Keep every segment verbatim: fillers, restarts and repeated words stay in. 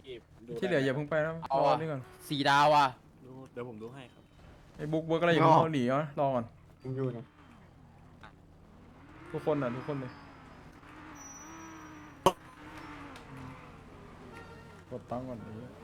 ที่เหลืออย่าเพิ่งไปนะรอนี่ก่อนสี่ดาวอ่ะดูเดี๋ยวผมดูให้ครับไอ้บุ๊กเวิร์กอะไรอย่าเพิ่งเข้าหนีนะรอก่อนผมอยู่นะทุกคนอ่ะทุกคนเลยกดตั้งก่อนไอ้เหี้ย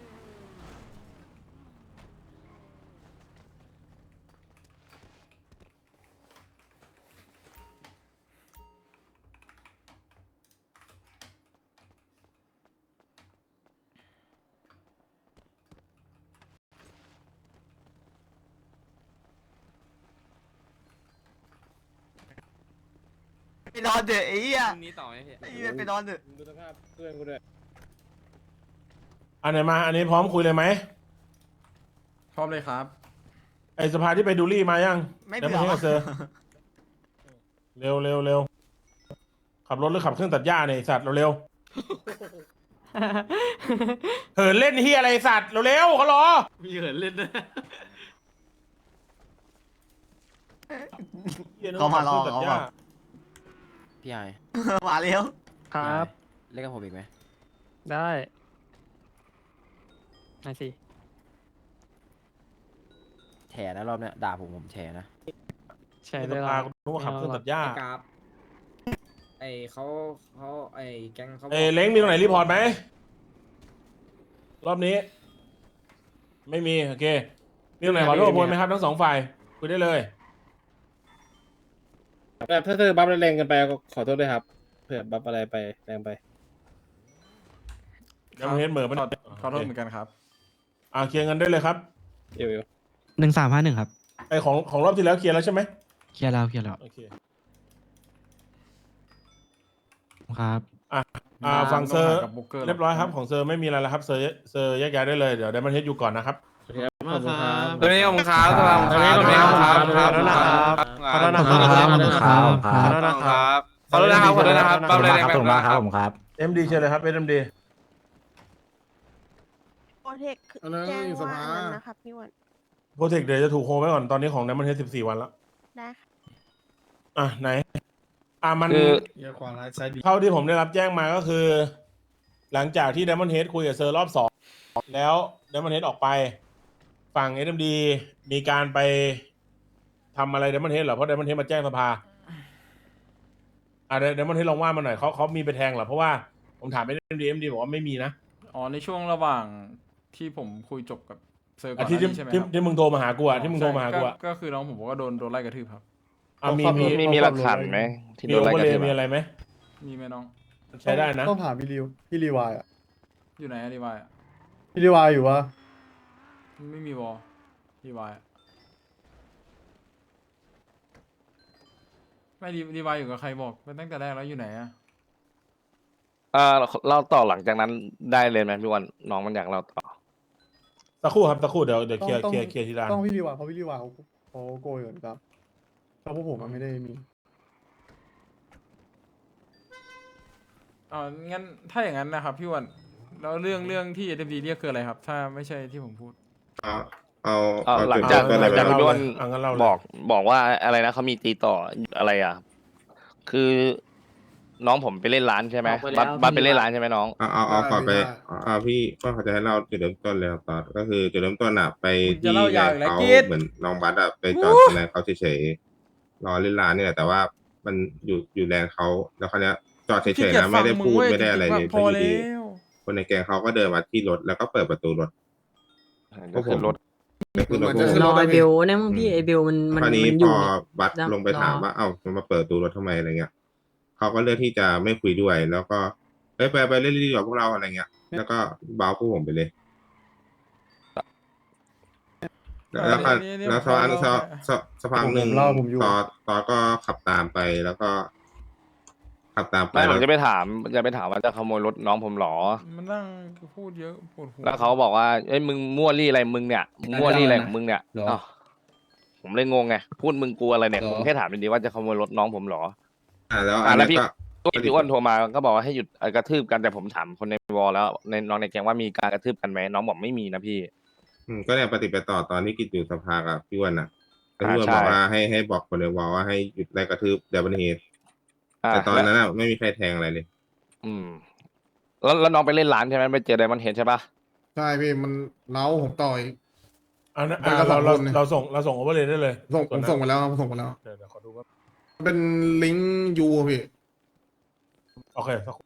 ไปนอนเถอะไอ้เหี้ยพรุ่งนี้ต่อไหมพี่ไอ้เหี้ยไปนอนเถอะดูสภาพเพื่อนกูด้วยอันไหนมา อันนี้พร้อมคุยเลยไหมพร้อมเลยครับไอสภาที่ไปดูรี่มายังไม่เดี๋ยวเบื่มาอให้กับเซอร์เร็วเร็วเร็วขับรถหรือขับเครื่องตัดหญ้าเนี่ยไอ้สัตว์เร็วเร็วเหินเล่นเฮียอะไรไอ้สัตว์เร็วเร็วเขารอมีเหินเล่นนะเขามารอขับเขาเครื่องตัดหญ้แบบพี่ไอมาเร็วครับเล่นกับผมอีกไหมได้ไหนสิแฉนะรอบเนี้ยด่าผมผมแฉนะใช่ไอ้เลสยภาล่ะกูนึกว่าขับเครื่องตัดหญ้ากราฟไอเขาเขาไอแก๊งเขาเอ้ยเล้งมีตรงไหนรีพอร์ตไหมรอบนี้ ไม่มีโอเคมีตรงไหนขอโทษโพยไหมครับทั้งสองฝ่ายคุยได้เลยแบบถ้าเธอบัฟแรงกันไปก็ขอโทษด้วยครับเผื่อบัฟอะไรไปแรงไปเดี๋ยวมันเห็นเหมือนขอขอโทษเหมือนกันครับอ่าเคลียร์เงินได้เลยครับเอวหนึ่งสามห้าหนึ่งครับไอของของรอบที่แล้วเคลียร์แล้วใช่ไหมเคลียร์แล้วเคลียร์แล้วโอเคครับอ่าอ่าฝั่งเซอร์กับบุ๊กเกอร์เรียบร้อยครับของเซอร์ไม่มีอะไรแล้วครับเซอร์เซอร์แยกย้ายได้เลยเดี๋ยวได้มันเฮ็ดอยู่ก่อนนะครับมากครับตัวนี้ขอบคุณครับขอบคุณครับขอบคุณครับขอบคุณครับขอบคุณครับขอบคุณครับขอบคุณนะครับขอบคุณนะครับขอบคุณนะครับขอบคุณครับผมครับเอ็มดีเชิญเลยครับเอ็มดีโปรเทคแจ้งว่าอันนั้นนะครับพี่วันโปรเทคเดี๋ยวจะถูกโฮไว้ก่อนตอนนี้ของได้มันเฮ็ดสิบสี่วันแล้วได้ค่ะอ่ะไหน อ่ะมันคือเยอะกว่าใช้ดีเท่าที่ผมได้รับแจ้งมาก็คือ หลังจากที่ Diamond Head คุยกับเซอร์รอบสองแล้ว Diamond Head ออกไป ฝั่ง เอ็ม ดี มีการไปทำอะไร Diamond Head เหรอเพราะ Diamond Head มาแจ้งสภาอ่ะ Diamond Head ลองว่ามาหน่อยเขาเขามีไปแทงเหรอเพราะว่าผมถามไป เอ็ม ดี เอ็ม ดี บอกว่าไม่มีนะอ๋อในช่วงระหว่างที่ผมคุยจบกับเซอร์ก่ออ่ะนหที่น้าที่นี้ใช่ไหมคที่รับที่มึงโทรมาหากูอ่ะที่มึงโทรมาหากูอ่ะก็ก็คือน้องผมบอกว่าโดนโดนไล่กระทืบครับอ่ะมีมีมีมีหลักฐานไหมที่มีโดนโอไล่เวอก ร์ระเลทืย์บมีอะอะไรไหมมีไหมน้องใช้ได้นะต้องถามพี่ริวพี่รีวายอ่ะอยู่ไหนอะรีวายอะพี่รีวายอยู่วะไม่มีวอลรีวายอะไม่รีรีวายอยู่กับใครบอกไปตั้งแต่แรกแล้วอยู่ไหนอะอ่าเล่าต่อหลังจากนั้นได้เลยไหมพี่วันน้องมันอยากเล่าต่อสักครู่ครับสักครู่เดี๋ยวเดี๋ยวเคลียร์เคลียร์เคลียร์ทีละต้องพี่รีวายเพราะพี่รีวายเขาเขาโกยก่อนครับเพราะพวกผมมันไม่ได้มีอ๋องั้นถ้าอย่างนั้นนะครับพี่อ้วันแล้วเรื่องเรื่องที่ เอ เอ็ม ดี เรียกคืออะไรครับ ถ้าไม่ใช่ที่ผมพูดเอาเอาอ่าเอาหลังจุดจากเริ่มต้นหลังจากเลยพี่ไหมวันอ่ะงั้นเล่าเลยบอกบอกว่าอะไรนะเขามีตีต่ออะไรอ่ะ คือน้องผมไปเล่นร้านใช่ไหมบัสบัสไปเล่นร้านใช่ไหมน้องเอาเอาเอาขอไปได้เอาเอาพี่ก็เขาจะให้เล่าจุดเริ่มต้นเลยครับตอนก็คือจุดเริ่มต้นอ่ะไปคุณจะที่เล่าแลยาวน อีกด์แล้วเขากิ๊ดเหมือนน้องบัสอะไปจอดที่แลนด์เขาเฉยๆรอเล่นร้านเนี่ยแหละแต่ว่ามันอยู่อยู่แลนด์เขาแล้วคราวเนี้ยจอดเฉยๆนะไม่ได้พูดไม่ได้อะไรเลยพออยู่แล้ดีวคนในแกงเขาก็เดินมาที่รถแล้วก็เปิดประตูรถก็คือรถก็คือรถพวกผมรอไอเบลเนี่ยมึงพี่ไอเบลมันมันคราวนี้มันอพยู่อเนี่ยบัสลงไปถามว่าเอ้ามันมาเปิดประตูรถทำไมอะไรเงี้ยเขาก็เลือกที่จะไม่คุยด้วย แล้วก็เอ้ยไปไปเล่นดีกว่าพวกเราอะไรเงี้ย แล้วก็เบาพวกผมไปเลย แล้วแล้วก็นี่นี่แล้วสักพักผมสักเล่าสักสักพักหนึ่งผมเล่าผมอยู่ตอตอก็ขับตามไปแล้วก็ ขับตามไปไม่ผแล้มวจะไปถามจะไปถามว่าจะขโมยรถน้องผมเหรอมันนั่งพูดเยอะปวดหัวแล้วเขาบอกว่าเอ้ยมึงมั่วรี่อะไรมึงเนี่ยมึงมั่วรี่อะไรของมึงเนี่ยอ้าวผมเลยงงไงพูดมึงกลัวอะไรเนี่ยผมแค่ถามดีๆว่าจะขโมยรถน้องผมเหรออ่าแล้วอ่ะอันแล้นี้วพี่ก็พี่อ้วนโทรมาก็บอกว่าให้หยุดเอ่อกระทืบกันแต่ผมถามคนในวอลแล้วในน้องในแก๊งว่ามีการกระทืบกันไหมน้องบอกไม่มีนะพี่อืมก็เนี่ยปฏิบัติต่อตอนที่กิจอยู่สภากับพี่อ้วันน่ะแล้วพี่อ้วนอ่าใช่บอกว่าให้ให้บอกคนในวอลว่าให้หยุดไล่กระทืบเดบันเฮดอ่าแต่ตอนนั้นแล้วอ่ะไม่มีใครแทงอะไรเลยอืมแล้วแล้วน้องไปเล่นร้านใช่ไหมไปเจอไดมอนเฮดใช่ปะใช่พี่มันเล้าผมต่อยอันนั้นมันก็เราเราสองคนเนี่ยเราส่งเราส่งโอเวอร์เลยได้เลยส่งผวนมนั้นส่งไปแล้วครับผมส่งไปแล้วเดี๋ยวเดี๋ยวขอดูว่าเป็นลิงก์ยูอะพี่โอเคสักครู่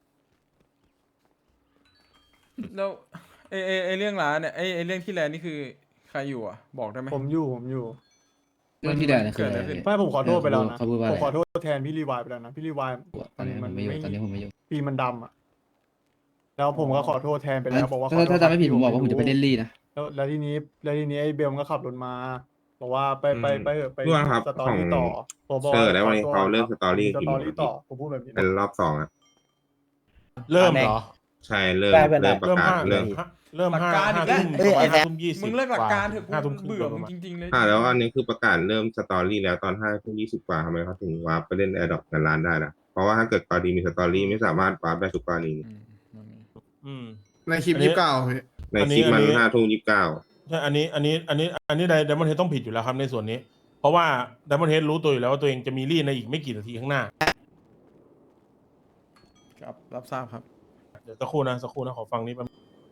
แล้วไอไอไอเรื่องร้านเนี่ยไอไอเรื่องที่แลนด์นี่คือใครอยู่อ่ะ บอกได้ไหมผมอยู่ผมอยู่เรื่องที่แลนด์เกิดอะไรขึ้นไม่ผมขอโทษไปแล้วนะเขาพูดว่าผอะไรมขอโทษแทนพี่รีวายไปแล้วนะพี่รีวายตอนนี้ผมไม่อยู่ตอนนี้ผมไม่อยู่ปีมันดำอ่ะแล้วผมก็ขอโทษแทนไปแล้วบอกว่าขอถ้าโทษถ้าจำไม่ผิดผมบอกว่าผมจะไปเล่นลี่นะแล้วแล้วทีนี้แล้วทีนี้ไอ้เบลมันก็ขับรถมาบอกว่าไปไปไปเถอะไปพี่อ้วนครับสตอของรี่ต่อผมบอกเซอร์ว่าแล้ววันนี้ขอโทษเขาเริ่มคบสตอรี่สกี่ตโมอง รี่ต่อผมพูดแบบนี้เป็นรอบสองอ่ะเริ่มเหรอใช่เริ่มได้เป็นไรเริ่มประเริ่มกาศห้าเริ่มเริ่มห้าหลักการอีห้ากแล้วทุ่มเอ้ยประมาณไอ้แซห้าม ทุ่มยี่สิบมึงเลิกหลักการเถอะห้าทุ่มคกูรึ่งเบื่อประมึงมาณจริงๆเลยอ่าแล้วอันนี้คือประกาศเริ่มสตอรี่แล้วตอนห้าทุ่มยี่สิบกว่าทำไมเขาถึงวาร์ปไปเล่นแอร์ดรอปกันร้านได้ล่ะเพราะว่าถ้าเกิดกรณีมีสตอรี่ไม่สามารถวาร์ปได้ทุกกรณีอืมนั่นไงอืมในคลิปอันนี้ยี่สิบเก้าพี่ในอันนี้คลิปมันอันนี้ห้าทุ่มยี่สิบเก้าใช่อันนี้อันนี้อันนี้อันนี้ไดมอนเฮดต้องผิดอยู่แล้วครับในส่วนนี้ เพราะว่าไดมอนเฮดรู้ตัวอยู่แล้วว่าตัวเองจะมีรี่ในอีกไม่กี่นาทีข้างหน้าครับรับทราบครับเดี๋ยวสักครู่นะสักครู่นะขอฟังนี้แป๊บ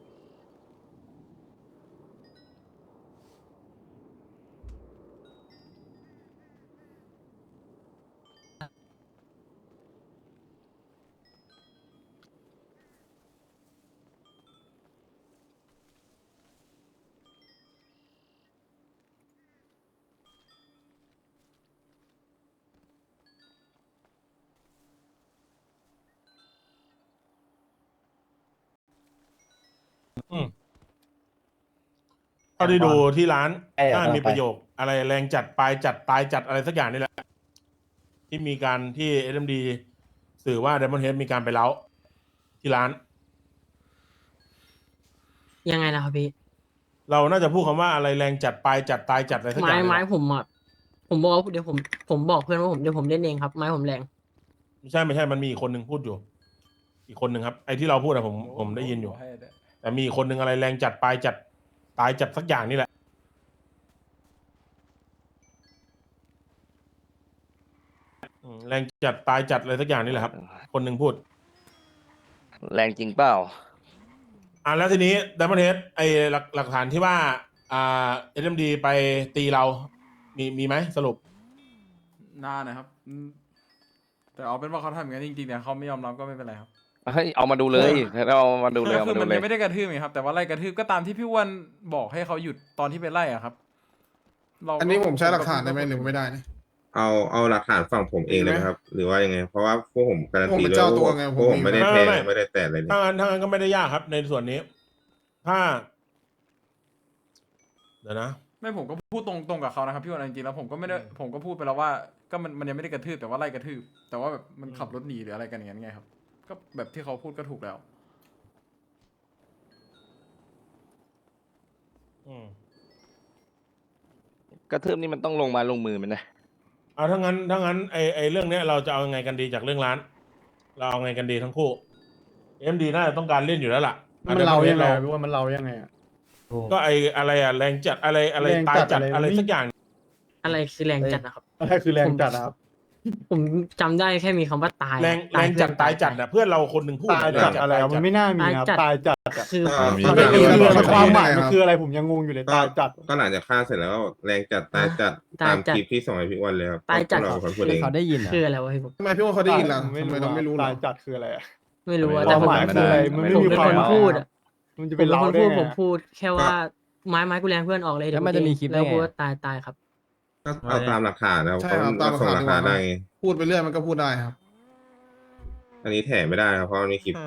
อืมเท่าที่ดูที่ร้านเอ้ยน่าเอามีไปประโยค อะไรแรงจัดปลายจัดตายจัดอะไรสักอย่างนี่แหละ ที่มีการที่เอ็มดีสื่อว่า Diamond Head มีการไปเล้าที่ร้านยังไงนะครับพี่เราน่าจะพูดคำว่าอะไรแรงจัดปลายจัดตายจัดอะไรสักอไม้ย่างนี่ไม้แหละผมอ่ะผมบอกว่าเดี๋ยวผมผมบอกเพื่อนว่าผมเดี๋ยวผมเล่นเองครับไม้ผมแรงไม่ใช่ไม่ใช่มันมีอีกคนหนึ่งพูดอยู่ อีกคนหนึ่งครับไอ้ที่เราพูดอะผมผมได้ยินอยู่ แต่มีอีกคนหนึ่งอะไรแรงจัดปลายจัดตายจัดสักอย่างนี่แหละอืมแรงจัดตายจัดอะไรสักอย่างนี่แหละครับ คนหนึ่งพูดแรงจริงเปล่าอ่าแล้วทีนี้ดัมเบิลเฮดไอหลักหลักฐานที่ว่า อ่าเอ็มดีไปตีเรา มีมีไหมสรุปนานนะครับอืมแต่เอาเป็นว่าเขาทำอย่างนั้นจริงๆแต่เขาไม่ยอมรับก็ไม่เป็นไรครับเฮ้ยเอามาดูเลยเอามาดูเลยก็เอาคือมาดูมันเลยยังไม่ได้กระทืบไงครับ แต่ว่าไล่กระทืบก็ตามที่พี่อ้วันบอกให้เขาหยุดตอนที่ไปไล่อะครับเราก็อันนี้ผมใช้หลักฐานได้ไหมหรือไม่ได้นะเอาเอาหลักฐานฝั่งผมเองเลยไหมครับ หรือว่ายังไง เพราะว่าพวกผมการันผมตีเป็น Ờ, เลยเจ้าตัวว่าไงพวกผผม มไม่ได้ไม่แทงไม่ไม่ได้แตะอะไรเลยถ้างั้นถ้างั้นก็ไม่ได้ยากครับ ในส่วนนี้ ถ้า เดี๋ยวนะไม่ผมก็พูดตรงตรงกับเขานะครับพี่อ้วันจริงๆแล้วผมก็ไม่ได้ผมก็พูดไปแล้วว่าก็มันมันยังไม่ได้กระทืบแต่ว่าไล่กระทืบแต่ว่าแบบมันขับรถหนีหรืออะไรกันอย่างนั้นไงครับ ก็แบบที่เขาพูดก็ถูกแล้วอืมกระทืบนี่มันต้องลงมาลงมือมันนะเอาถ้างั้นถ้างั้นไอไอเรื่องเนี้ยเราจะเอายังไงกันดีจากเรื่องร้าน เราเอาไงกันดีทั้งคู่เอ็มดีน่าจะต้องการเล่นอยู่แล้วล่ะมันเรายังไงเราพี่ว่ามันเรายังไงอ่ะก็ไออะไรอะแรงจัดอะไรอะไรแรงตายจัดจัดอะไรอะไรไม่สักอย่างอะไรคือแรงจัดนะครับอะไรคือแรงจัดนะครับผมจำได้แค่มีคำว่าตายแรงตาแรยงเพื่จัอดนตายจัดนะเพื่อนเราคนหนึ่งพูดตายแรงจัดอะไรตายอะมันไม่น่ามีนะครับตายจัดอะคืออ่าผมมีไม่แบบรู้นี้ว่าความหมายมันคืออะไรผมยังงงอยู่เลยก็ตายจัดก็หลังจากฆ่าเสร็จแล้วแรงจัดตายจัดตายตามจัดคลิปที่ส่งให้พี่อ้วันเลยครับตายจัดพวกเราเป็นคนพูดเองเขาได้ยินคืออะไรวะพี่ผมทำไมพี่ว่าเขาได้ยินล่ะทำไมเราไม่รู้ตาล่ะยจัดคืออะไรอะไม่รู้อะคแต่วามผมหมายคืออะไรมันไม่ผมมีเป็นควาคมนพูดอะมันจะผเป็นมเป็นเราคนได้พูดไงผมพูดแค่ว่าไม้ไม้กูแรงเพื่อนออกเลยเดี๋ยวแล้วมันจะมีคลิปได้แล้วไงพูดว่าตายตายครับก็เอาตามหลักฐานนะครับใช่เขาครับตามหลักส่งฐานหลักดีกฐาว่านได้ไงพูดไปเรื่อยมันก็พูดได้ครับอันนี้แถไม่ได้ครับเพราะมันมีคลิป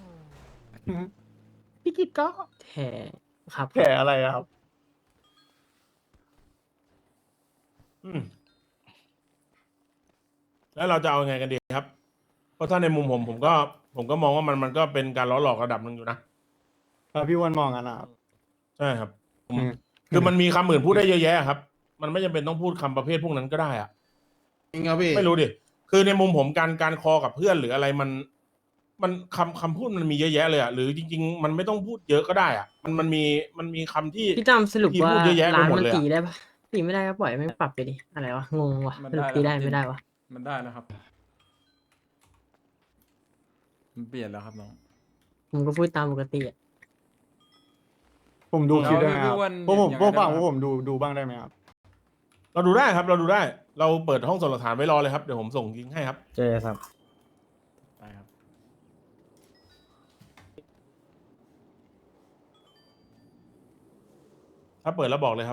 พี่กิตก็แถครับแผลอะไรอะครับอืมแล้วเราจะเอายังไงกันดีครับ เพราะถ้าในมุมผมผมก็ ผมก็มองว่ามันมันก็เป็นการล้อหลอกระดับหนึ่งอยู่นะแล้วพี่อ้วันมองกันนะครับใช่ครับผมอืมคือมันมีคำอื่นพูดได้เยอะแยะครับ มันไม่จำเป็นต้องพูดคำประเภทพวกนั้นก็ได้อะจริงครับพี่ไม่รู้ดิ คือในมุมผมการการคอกับเพื่อนหรืออะไรมัน มันคำคำพูดมันมีเยอะแยะเลยอะหรือจริง ๆ มันไม่ต้องพูดเยอะก็ได้อะมันมันมีมันมีคำที่พี่ตั้มสรุปพี่ว่าพูดเยอะแยะไปร้านหมดมันเลยอะตีได้ปะตีไม่ได้ก็ปล่อยไม่ปรับไปดิอะไรวะงงวะมันสรุปได้ตีได้แล้วไม่ได้วะมันได้แล้วครับ มันเปลี่ยนแล้วครับน้องผมก็พูดตามปกติอะผมดูคลิปได้ไหมครับพี่อ้วนพวกผมยังพวกไงฝั่งได้พวบ้างกผมดูดูบ้างได้ไหมครับเราดูได้ครับ เราดูได้ เราเปิดห้องส่งหลักฐานไว้รอเลยครับ เดี๋ยวผมส่งลิงก์ให้ครับเจครับได้ครับถ้าเปิดแล้วบอกเลยครับ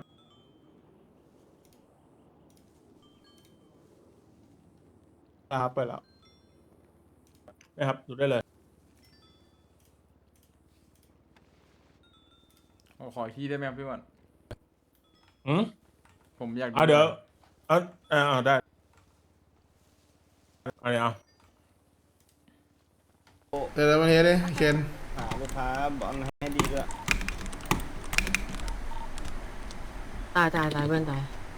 นะครับเปิดแล้วนะครับ ดูได้เลยขอขออีกทีได้ไหมครับพี่อ้วันอืมผมอยากเอาเดี๋ยวเอาเอาเอาได้เอาเดี๋ยวเอาเดี๋ยวมาเทสดิเคนหาลูกค้าบอลให้ดีด้วยตายตายตายเพื่อนตาย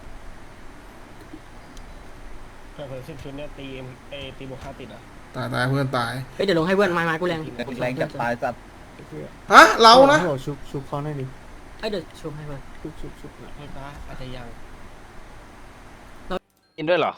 เผื่อสิบชุดเนี่ยตีเอตีบวกค่าติดอ่ะตายตายเพื่อนตายเฮ้ยเดี๋ยวลงให้เพื่อนไม้ไม้กูแรงแรงจับตายสัตว์ฮะเรานะโอ้โหชุบชุบเขาหน่อยดิเอ้ยเดี๋ยวชุบให้เพื่อนชุบชุบชุบหน่อยอาจจะยังกินด้วยเหรอ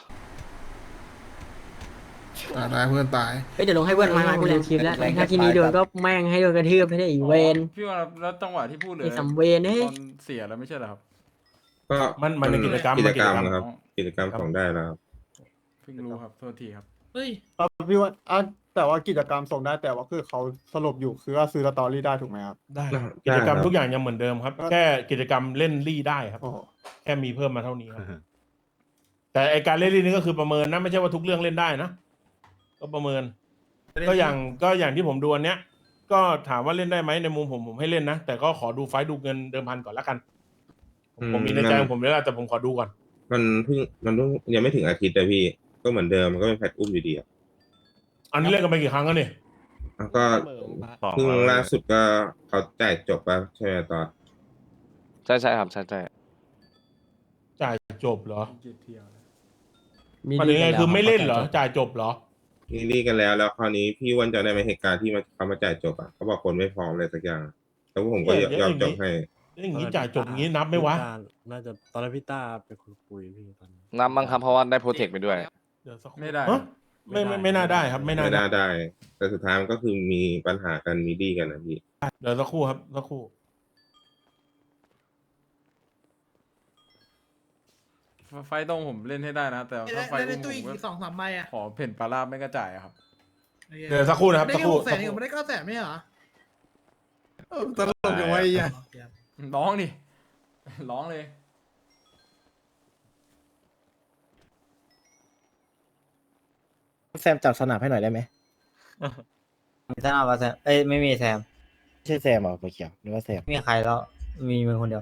ตายตายเพื่อนตายเฮ้ยเดี๋ยวลงให้เพื่อนไม้ไม้กูแรงคลิปแล้วถ้าทีนี้โดนก็แม่งให้โดนกระทืบให้ได้อีเวนพี่อ้วันครับแล้วจังหวะที่พูดเลยไอ้สัมเวนเอ้ยตอนเสียแล้วไม่ใช่เหรอครับก็มันมันเป็นกิจกรรมกิจกรรมมันกิจกรรมนะครับ กิจกรรมของได้แล้วครับเพิ่งรู้ครับโทษทีครับเฮ้ยครับพี่ว่าอ่ะแต่ว่ากิจกรรมส่งได้แต่ว่าคือเขาสรุปอยู่คือว่าซื้อสตอรี่ได้ถูกไหมครับได้ได้กิจกรรมครับทุกอย่างยังเหมือนเดิมครับ แค่กิจกรรมเล่นรี่ได้ครับโอ้โหแค่มีเพิ่มมาเท่านี้ครับ แต่ไอการเล่นรี่นี่ก็คือประเมินนะไม่ใช่ว่าทุกเรื่องเล่นได้นะ ก็ประเมิน ก็อย่างก็อย่างที่ผมดูอันเนี้ย ก็ถามว่าเล่นได้ไหมในมุมผมผมให้เล่นนะ แต่ก็ขอดูไฟล์ดูเงินเดิมพันก่อนละกัน ผมผมมีในใจของผมแล้วล่ะแต่ผมขอดูก่อนมันเพิ่งมันเพิ่งยังไม่ถึงอาทิตย์เลยพี่ ก็เหมือนเดิมมันก็เป็นแพทอุ้มอยู่ดีอะอันนี้เล่นกันไปกี่ครั้งแล้วเนี่ยแล้วก็เพิ่งล่าสุดก็เขาจ่ายจบไปใช่ไหมตอนใช่ใช่ครับใช่ใช่จ่ายจบเหรอเกียรติเที่ยวเลยมันยังไงคือไม่เล่นเหรอ จ่ายจบเหรอนี่รีกันแล้วแล้วคราวนี้พี่อ้วันจะได้ไหมเหตุการณ์ที่มันเขามาจ่ายจบอ่ะเขาบอกคนไม่พร้อมเลยสักอย่างแล้วพวกผมก็เดี๋ยวยอมเดี๋ยวจบให้อย่างนี้จ่ายจบอย่างนี้นับไหมวะน่าจะตอนนั้นพี่ต้าไปคุยคุยพี่ตอนนั้นนับบ้างครับเพราะว่าได้โปรเทคไปด้วยเดี๋ยวสักครู่ไม่ได้ฮะไม่ไม่ไม่น่าได้ครับ ไม่น่าไม่ได้น่าได้ แต่สุดท้ายมันก็คือมีปัญหากันมีดีกันนะพี่เดี๋ยวสักครู่ครับสักครู่ไฟต์ตรงผมเล่นให้ได้นะ แต่ถ้าไฟต์อุ้มผมก็สองสามใบอ่ะขอเพ่นปลาราบไม่กระจายอะครับเดี๋ยวสักครู่นะครับสักครู่แสสันกครู่ไม่ได้เก้าแสนไม่เหรอตลกอย่างไว้อ่ะร้องดิ ร้องเลยแซมจับสนับให้หน่อยได้ไหมมีท่านเอาแซมเอ้ยไม่มีแซมไม่ใช่แซมเหรอเขียวหรือว่าแซมไม่มีใครแล้วมีมึงคนเดียว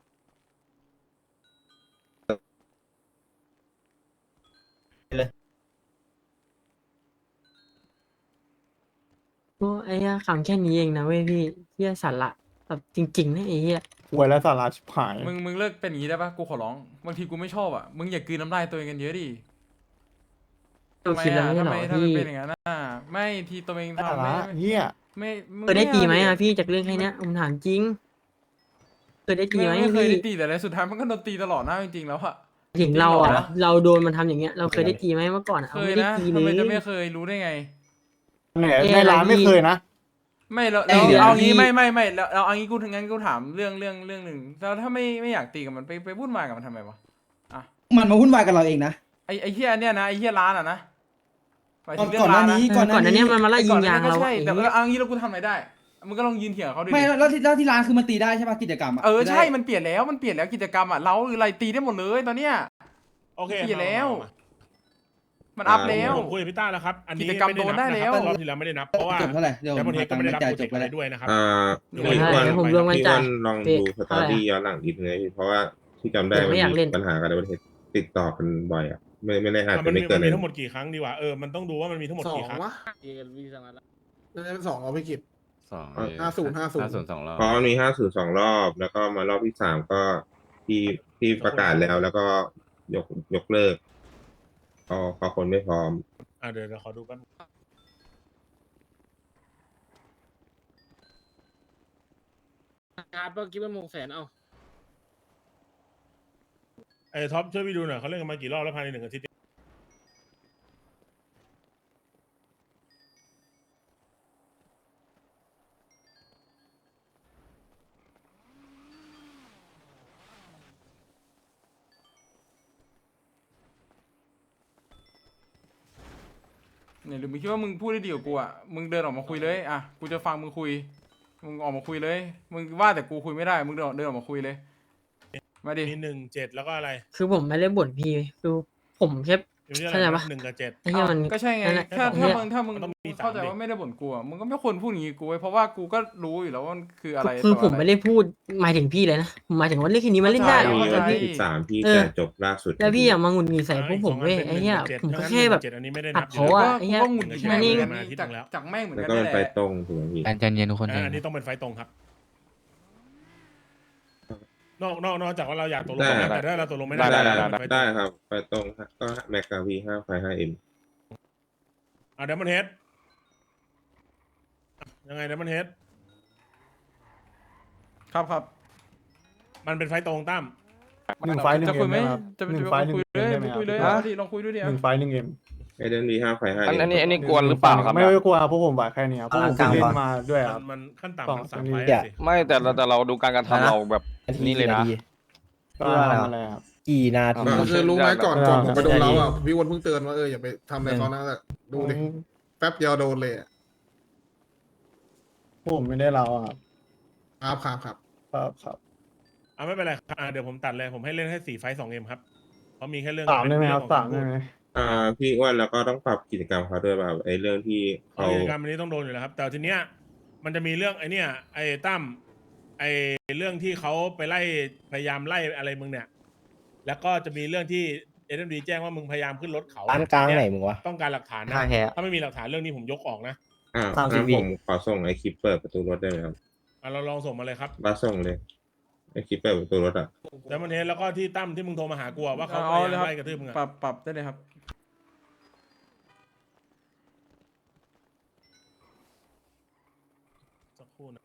โอ้ไอ้เหี้ยขำแค่นี้เองนะเว้ยพี่เหี้ยสัตว์ละแบบจริงๆนะไอ้เหี้ยหวยและสาระชิบหายมึงมึงเลิกเป็นอย่างนี้ได้ปะกูขอร้อง บางทีกูไม่ชอบอ่ะ มึงอย่ากลืนน้ำลายตัวเองกันเยอะดิดูทำไมคลิปแล้วอ่ะไม่ใช่ทำเหรไมอถ้ามันพี่เป็นอย่างนั้นอ่ะ ไม่ทีตัวเองสาทำระไม่เฮียไม่มึงเคยได้ตีไหมเอาอ่ะดิพี่จากเรื่องแค่เนี้ยผมถามจริงเคยได้ตีไม่ไหมไม่เคยพี่ได้ตีแต่แล้วสุดท้ายมันก็โดนตีตลอดหน้าจริงๆแล้วอะถึงเราจริงเหรอ่ะอเราโดนมันทำอย่างเงี้ยเราเคยได้ตีไหมเมื่อก่อนอะเคเรายไม่ได้นะตีเลทำไมจะยไม่เคยรู้ได้ไงไหนเอ๊ะในร้านเราไม่มีเคยนะไม่แล้วไอ้แล้วเดี๋ยวเอางี้พี่ไม่ไม่ไม่แล้วเอาเอางี้กูงั้นกูถามเรื่องเรื่องเรื่องหนึ่งแล้วถ้าไม่ไม่อยากตีกับมันไปไปพูดมายกับมันทำไมวะอ่ะมันมาวุ่นวายกับเราเองนะไอไอเฮียเนี่ยนะไอเฮียร้านอ่ะนะหมายถึงเรื่ก่ออนงหน้าร้านนะนี้เออก่อนหน้านี้มันมาไล่ไอ้ยิก่งอนยางนั้นก็เราใช่ไอ้แต่เหี้ยแล้วเอางี้แล้วกูทำอะไรได้มึงก็ลองยืนเถียงกับเขาดิไม่แล้วที่แล้วที่ร้านคือมันตีได้ใช่ป่ะกิจกรรมอ่ะเออใช่มันเปลี่ยนแล้วมันเปลี่ยนแล้วกิจกรรมอ่ะเราหรืออะไรตีได้หมดเลยตอนเนี้ยโอเคเปลี่ยนแล้วมามามันอัพแล้วผมคุยกับพี่ต้าแล้วครับ อันนี้กิจกรรมไม่ได้โดนได้นับแล้นะวครับรอบที่แล้วไม่ได้นับเพราะว่าจบเท่าไหร่เดี๋ยวแต่ประเทศก็ไม่ได้รับจ่ายโปรจเจบกไปต์อะไรแล้วด้วยนะครับอ่าเดี๋พี่ยวอ้วันเดี๋ยวผมลงวันพี่จ่าอ้วย นลองเอ๊ะดูสตอรี่ย้อนหลังนิดนึงนะพี่เพราะว่าที่จำได้เดี๋ยวมันไม่อยากเล่มีนปัญหากันในประเทศติดต่อกันบ่อยอ่ะไม่ไม่ได้อาจมัจะนไม่มีเกิมัน นเลมียทั้งหมดกี่ครั้งดีวะเออมันต้องดูว่ามันมีทั้งหมดสอกี่งครั้งวะน่าจะเป็นสองเอาไปกิบสองห้าศูนย์ห้าศูนย์ห้าศูนย์สองรอบเพราะมันมีห้าสื่อสองรอบ แล้วก็มารอบที่สามก็ที่ที่ประกาศแล้ว แล้วก็ยกยกเลิกพอพอคนไม่พร้อมอ่ะเดี๋ยวเดี๋ยวขอดูแป๊บครับเมื่อกี้มันมงแสนเอาไอ้ท็อปช่วยพี่ดูหน่อยเขาเล่นกันมากี่รอบแล้วภายในหนึ่งอาทิตย์เนี่ยหรือมึงคิดว่ามึงพูดได้ดีกว่ากูอ่ะมึงเดินออกมาคุยเลยอ่ะกูจะฟังมึงคุยมึงออกมาคุยเลยมึงว่าแต่กูคุยไม่ได้มึงเดินเดินออกมาคุยเลยมาดิมีหนึ่งเจ็ดแล้วก็อะไรคือผมไม่ได้บ่นพี่คือผมแค่อยู่ที่อะไรเข้าใจปะหนึ่งกับเจ็ดไอ้เหี้ยมันก็ใช่ไงนั่นแหละถ้าเนี่ถ้าย มึงถ้ามึงมันต้องมีสามเข้าใจดิว่าไม่ได้บ่นกูอ่ะมึงก็ไม่ควรพูดอย่างงี้กูเว้ยเพราะว่ากูก็รู้อยู่แล้วว่ามันคืออะไรคือต่ผมอะรไม่ได้พูดหมายถึงพี่เลยนะผมหมายถึงว่าเรื่องแค่นี้มันเล่นได้เข้าใจเหรอมีพี่วันที่สิบสามที่เออจะจบล่าสุดแล้วพี่อย่ามาหงุดหงิดใส่พวกผมเว้ยกสงไอ้เหี้ยป็นผมก็หนึ่งแค่แบบเจ็ดอันนี้ไม่ได้ตันัดบเขายู่อะแล้วไอ้เหี้ยกูก็หงุดหงิดแค่นี้แม่มาที่จากตรงแล้วจากแม่งเหมือนแล้วกันก็นี่เป็นแหไฟละตรงถูกไหมพี่ใจเย็นๆทุกคนใจอ่าเย็นอันนี้ต้องเป็นไฟตรงครับ นอกนอกนอกจากว่าเราอยากตกลงกันแล้วแต่ถ้าเราตกลงไม่ได้ได้ได้เราได้เป็นไฟตรงได้ครับ ไฟตรงก็แม็กกาวีห้าไฟห้าเอ็มอ่าเดมอนเฮดยังไงเดมอนเฮดครับครับมันเป็นไฟตรงตั้มหนึ่งไฟล์หนึ่งจะเอ็คุยมไหมได้ไหมครับจะหนึ่งจะไฟล์หนึ่งคุยเอ็เลยมได้ไหมคุยเลยครับเอาดิลองคุยดูดิหนึ่งไฟล์หนึ่งเอ็มเอเดนวีห้าไฟห้าอันเอ็อันมนี้อันนี้กวนหรือเปล่าครับไม่ไม่กลัวเพราะผมไหวแค่นี้ครับเพราะผมกลางเล่ก่อนนมาด้วยคมัรับนมันขั้นสอต่ำงมันสามอันนี้ไฟเดี๋ยวสิไม่แต่เราแต่เราดูการกระทำเราแบบนี่เลยนะก็ทำอะไรครับกี่นาทีอ่าคือรู้ไหมก่อนเออก่อนผมไปโดนใช่เราอ่ะพี่อ้วนเพิ่งเตือนว่าเอออย่าไปทำอะไรเขานะดูดิแป๊บเดียวโดนเลยอะผมไม่ได้เราอะครับครับครับครับครับครับอ่าไม่เป็นไรอ่าเดี๋ยวผมตัดเลยผมให้เล่นแค่สี่ไฟสองเอ็มครับเพราะมีแค่เรื่องสามได้ไหมครับเองของสามได้ไหมอ่าพี่อ้วนแล้วก็ต้องปรับกิจกรรมเขาด้วยแบบไอ้เรื่องที่เอาเขากิจกรรมอันนี้ต้องโดนอยู่แล้วครับ แต่ทีเนี้ยมันจะมีเรื่องไอ้เนี่ยไอ้ตั้มไอ้เรื่องที่เขาไปไล่พยายามไล่อะไรมึงเนี่ย แล้วก็จะมีเรื่องที่เอ็มดีแจ้งว่ามึงพยายามขึ้นรถเขาร้านกลางไหนมึงวะต้องการหลักฐานนะท่าแค่ถ้าไม่มีหลักฐานเรื่องนี้ผมยกออกนะอ่าสามสิบงั้นวิผมขอส่งไอ้คลิปเปิดประตูรถได้ไหมครับอ่ะเราลองส่งมาเลยครับบัสส่งเลยไอ้คลิปเปิดประตูรถอ่ะแล้วมันเห็นแล้วก็ที่ตั้มที่มึงโทรมาหากูอะว่าเขาพเอายาเลยยามครับไล่กระทืบมึงอะปรับปรับได้เลยครับสักครู่นะ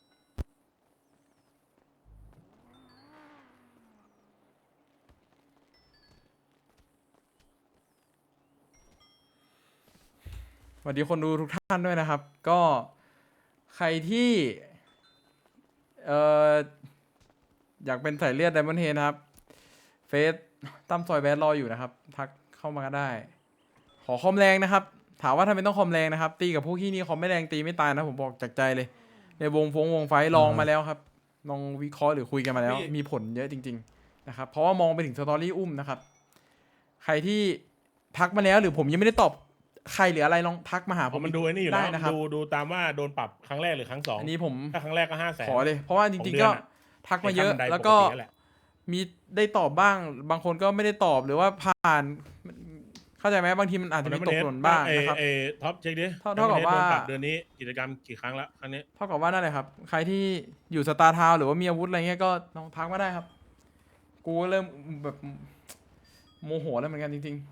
สวัสดีคนดูทุกท่านด้วยนะครับ ก็ใครที่เอ่ออยากเป็นสายเลือดไดมอนด์เฮดนะครับ เฟซตั้มซอยแบดรออยู่นะครับ ทักเข้ามาก็ได้ ขอคอมแรงนะครับ ถามว่าทำไมต้องคอมแรงนะครับ ตีกับพวกที่นี่คอมไม่แรงตีไม่ตายนะผมบอกจากใจเลย ในวงฟงวงไฟท์ลองมาแล้วครับลองวิเคราะห์หรือคุยกันมาแล้ว มีผลเยอะจริง ๆนะครับ เพราะว่ามองไปถึงสตอรี่อุ้มนะครับ ใครที่ทักมาแล้วหรือผมยังไม่ได้ตอบใครหรืออะไรลองทักมาหาผผม มมันดูไอ้นี่อยู่แล้วได้นะครับดูดูตามว่าโดนปรับครั้งแรกหรือครั้งสองอันนี้ผมถ้าครั้งแรกก็ห้าแสนขอเลย เพราะว่าจของริงเดืๆอนก็อะทักมาเยอะไขั้นบันไดแล้วก็ปตินั่นแหละมีได้ตอบบ้าง บางคนก็ไม่ได้ตอบหรือว่าผ่าน เข้าใจไหมบางทีมันอาจจะมีตกหล่นบ้างนะครับเอท็อปเช็คดิเท่าเท่ากับว่าโดนปรับเดือนนี้กิจกรรมกี่ครั้งแล้วครั้งนี้เท่ากับว่านั่นแหละครับ ใครที่อยู่สตาร์ทาวน์หรือว่ามีอาวุธอะไรเงี้ยก็ลองทักมาได้ครับ กูก็เริ่มแบบโมโหแล้วเหมือนกันจริง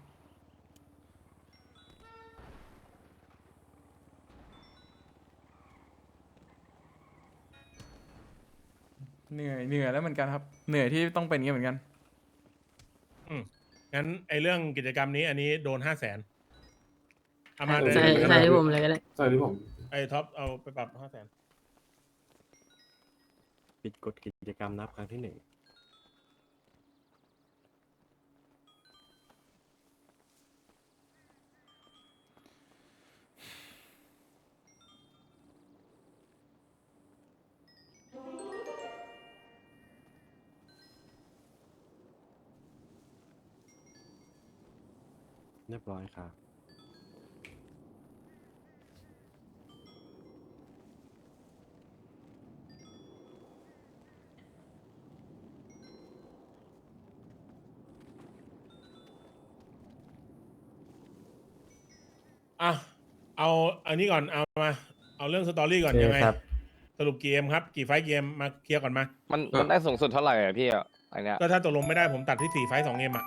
ๆเหนื่อยเหนื่อยแล้วเหมือนกันครับ เหนื่อยที่ต้องเป็นอย่างนี้เหมือนกันอืมงั้นไอเรื่องกิจกรรมนี้อันนี้โดนห้าแสนเอามาใส่เดี๋ยวใส่ให้ผมเลยก็ได้ใช่ที่ผมไอท็อปเอาไปปรับห้าแสนปิดกฎกิจกรรมนับครั้งที่หนึ่ง เรียบร้อยครับอ่ะเอาอันนี้ก่อนเอามา เอาเรื่องสตอรี่ก่อนโอเคยังไงครับสรุปกี่เกมครับ กี่ไฟท์เกมมาเคลียร์ก่อนมามันมันได้สูงสุดเท่าไหร่อะพี่อะอันเนี้ยก็ถ้าตกลงไม่ได้ผมตัดที่สี่ไฟท์สองเกมอ่ะ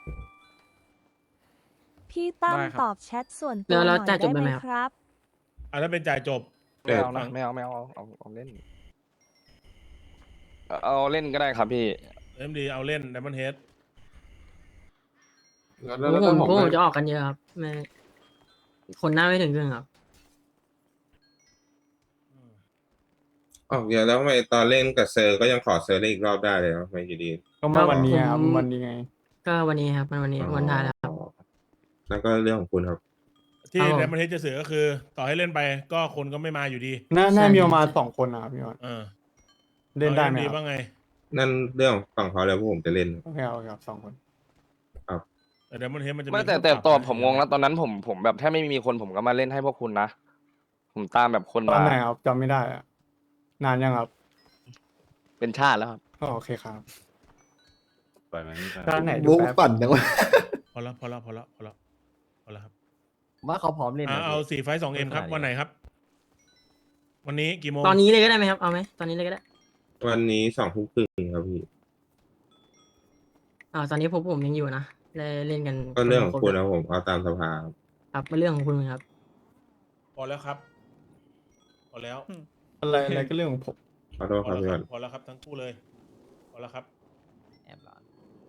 พี่ตั้มได้ครับตอบแชทส่วนตัแล้ว วหแล้น่วอยจ่ายจได้บไหไหมมครับครับอ่ะถ้าเป็นจ่ายจบไม่เอานะไม่เอาไม่เอาเอาเอาเอาเล่นเอาเอาเล่นก็ได้ครับพี่เอ็มดีเอาเล่นไดมอนเฮดแล้วพวแล้วกผมผมพวกผมจะออกกันเยอะครับไม่คนหน้าไม่ถึงครึ่งครับออกเยอะแล้วทำไมตอนเล่นกับเซอร์ก็ยังขอเซอร์เล่นอีกรอบได้เลยทำไมอยู่ดีก็มาวันนี้ครับผมวันนี้ไงก็วันนี้ครับมันวันนี้วันท้ายแล้วครับอ๋อแล้วก็เรื่องของคุณครับที่ครับผมไดมอนเฮดจะเสือก็คือ ต่อให้เล่นไปก็คนก็ไม่มาอยู่ดีน่าใช่น่ามีประมาณสองคนนะครับพี่วันเออเล่นได้ไหมดีครับบ้างไงนั่นเรื่องฝั่งเขาแล้วพวกผมจะเล่นโอเคเอาครับสองคนแต่ไดมอนเฮดมันจะไม่แต่แต่คู่ปรับตอนนะผมงงแล้วตอนนั้นผมผมแบบแทบไม่มีคนผมก็มาเล่นให้พวกคุณนะ ผมตามแบบคนตอนมาไหนครับจำไม่ได้อะนานยังครับเป็นชาติแล้วครับอ๋อโอเคครับปล่อยมันไปด้านไหนดูบุ๊กแป๊บปั่นนะวะพอละพอละพอละพอละพอละครับว่าเขาพร้อมเล่นอ่านะเอาสี่ไฟสองเอ็มครับไม่ขนาดนี้วันไหนครับ วันนี้กี่โมงตอนนี้เลยก็ได้ไหมครับ เอาไหมตอนนี้เลยก็ได้วันนี้สองทุ่มครึ่งครับพี่อ่าตอนนี้ผมผมยังอยู่นะเลยเล่นกันก็เรื่องของนละคุณนนะผมเอาตามสภาครับครับเป็นเรื่องของคุณครับพอแล้วครับ พอแล้วอะไรอะไรก็เรื่องของผมขอโทษพคอรับแล้วพี่ควัรับนพอแล้วครับทั้งคู่เลย พอแล้วครับแอบร้อน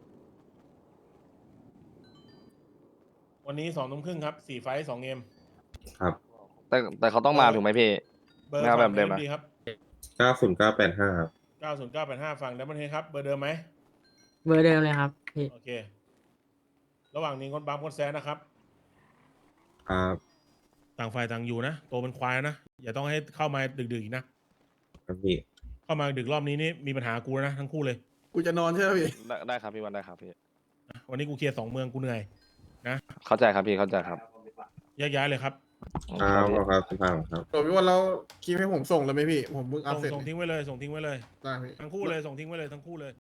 วันนี้สองทุ่มครึ่งครับสี่ไฟสองเอ็มครับแต่แต่เขาต้องมาถูกไหมพี่เบอร์ไม่เอาแบบเดิมฝั่อะง ดีครับเก้าศูนย์เก้าแปดห้าครับเก้าศูนย์เก้าแปดห้าฝั่งไดมอนเฮดครับ เบอร์เดิมไหมเบอร์เดิมเลยครับพี่โอเค ระหว่างนี้คนบัมคนแซนนะครับครับต่างฝ่ายต่างอยู่นะ โตเป็นควายนะ อย่าต้องให้เข้ามาดึกๆอีกนะครับพี่เข้ามาดึกรอบนี้นี่มีปัญหากูแล้วนะทั้งคู่เลยกูจะนอนใช่ไหมพี่ได้ได้ครับพี่วันได้ครับพี่วันนี้กูเคลียร์สองเมืองกูเหนื่อยเข้าใจครับพี่เข้าใจครับแยกย้ายเลยครับครับขอบครับสภาครับโดพี่วันเราคลิปให้ผมส่งเลยไหมพี่ ผมเพิ่งอัพส่งเสร็จส่งทิ้งไว้เลย ส่งทิ้งไว้เลยได้พี่ทั้งคู่เลย ส่งทิ้งไว้เลยทั้งคู่เลย